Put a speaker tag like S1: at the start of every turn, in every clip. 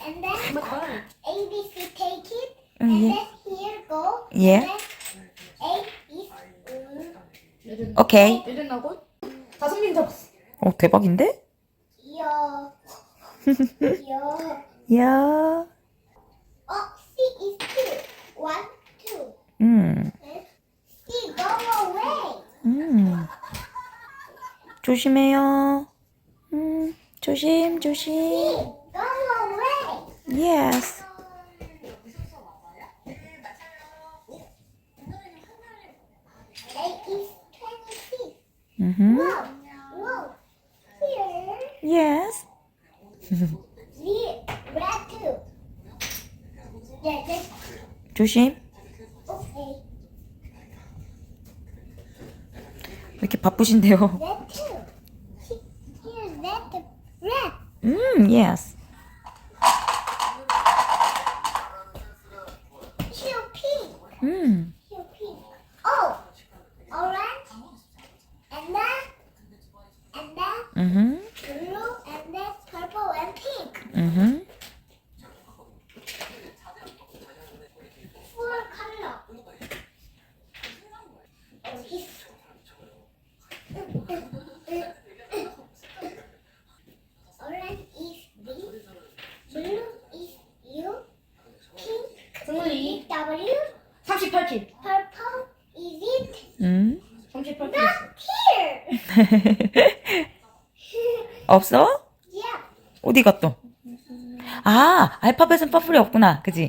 S1: and then A, B, C take it,
S2: 응,
S1: and
S2: 예.
S1: then here go.
S2: 예.
S1: And then A is
S2: 오케이.
S3: 예전하고 5명 잡았어.
S2: 대박인데?
S1: yo.
S2: 야.
S1: C is 2. 1, 2. C go away.
S2: 조심해요. 조심,
S1: C
S2: 조심.
S1: go away.
S2: Yes.
S1: A is 26.
S2: Mm-hmm.
S1: Whoa. Here.
S2: Yes.
S1: Z red 2. Yeah,
S2: 조심.
S1: okay.
S2: 왜 이렇게 바쁘신데요?
S1: Red 2. Here, red.
S2: Yes.
S1: Two pink.
S2: 음.
S1: Two pink. Oh, orange. And then blue, and then purple and pink. Four color. Orange is D. Blue is U. Pink
S3: 승훈이
S1: W.
S3: 38킬.
S1: Purple is it?
S3: 38킬.
S1: Not here.
S2: 없어?
S1: Yeah.
S2: 어디 갔어? 아, 알파벳은 퍼플이 없구나. 그지?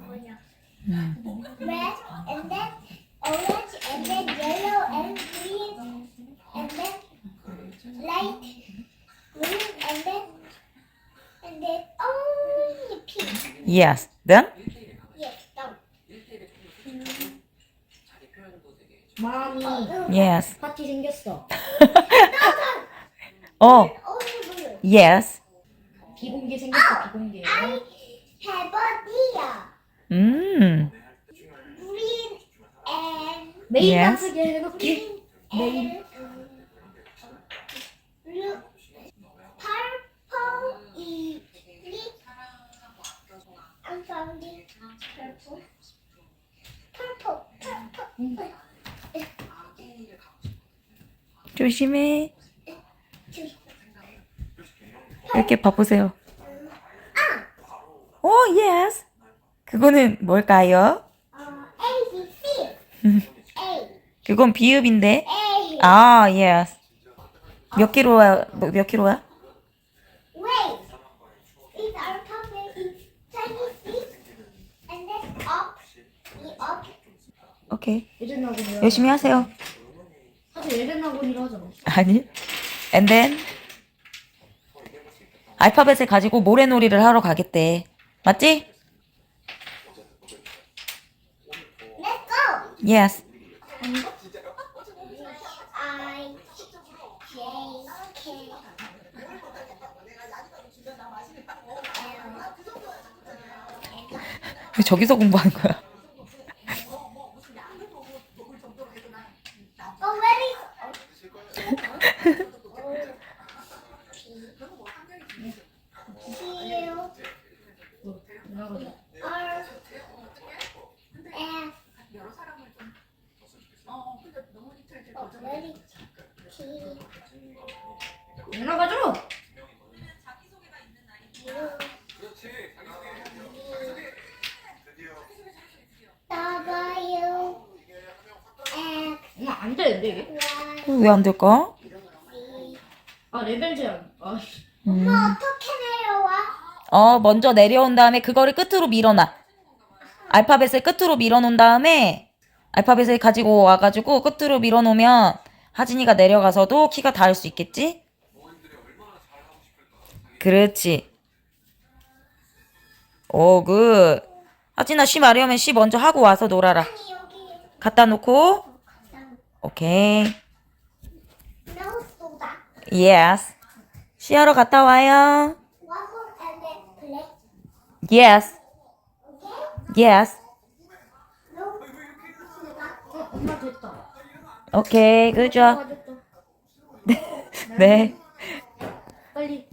S1: Red and then orange and then yellow and green and then light green and then only pink.
S2: Yes. Then?
S1: Yes, done.
S3: 마음이
S2: Yes.
S3: 파티 생겼어.
S2: 어.
S1: Only blue.
S2: Yes.
S3: 비공개 생겼어. 비공개.
S1: I have a deer.
S2: 음.
S1: Green and
S3: 메인
S2: Yes.
S3: 단수게 해놓게.
S1: and blue. Purple is it? I'm finding purple. Purple.
S2: 조심해. 이렇게 바쁘세요. 오, yes. 그거는 뭘까요?
S1: A, B, C. A.
S2: 그건 비읍인데.
S1: A.
S2: 아, yes. 몇 킬로야? 몇 킬로야?
S1: Wait. Is alphabet is 26 and then up. Up.
S2: 오케이.
S3: 예전하고는
S2: 열심히 하세요.
S3: 사실 예전하고니라 하잖아.
S2: 아니. And then 알파벳을 가지고 모래놀이를 하러 가겠대. 맞지?
S1: Let's go.
S2: Yes.
S1: I, J, K,
S2: 왜 저기서 공부하는 거야?
S1: Oh, where is Q,
S3: 나가자.
S1: R, F. Oh, where is T,
S3: 나가줘.
S1: U, W, X,
S3: 엄마 안 되는데 이게?
S1: Y,
S2: 왜 안 될까?
S1: Z.
S3: 아 레벨 제한. 아씨.
S1: 엄마 어떻게 내려와?
S2: 먼저 내려온 다음에 그거를 끝으로 밀어놔. 알파벳을 끝으로 밀어놓은 다음에 알파벳을 가지고 와가지고 끝으로 밀어놓으면 하진이가 내려가서도 키가 닿을 수 있겠지? 그렇지. 오, 굿. 하진아, 시 마려우면 시 먼저 하고 와서 놀아라.
S1: 아니 여기
S2: 갖다 놓고. 오케이.
S1: No soda.
S2: Yes. 시 하러 갔다 와요.
S1: One more and then play.
S2: Yes.
S1: Okay?
S2: Yes.
S1: No soda.
S3: 엄마 됐다.
S2: 오케이, good job.
S3: 됐다.
S2: 네.
S3: 빨리.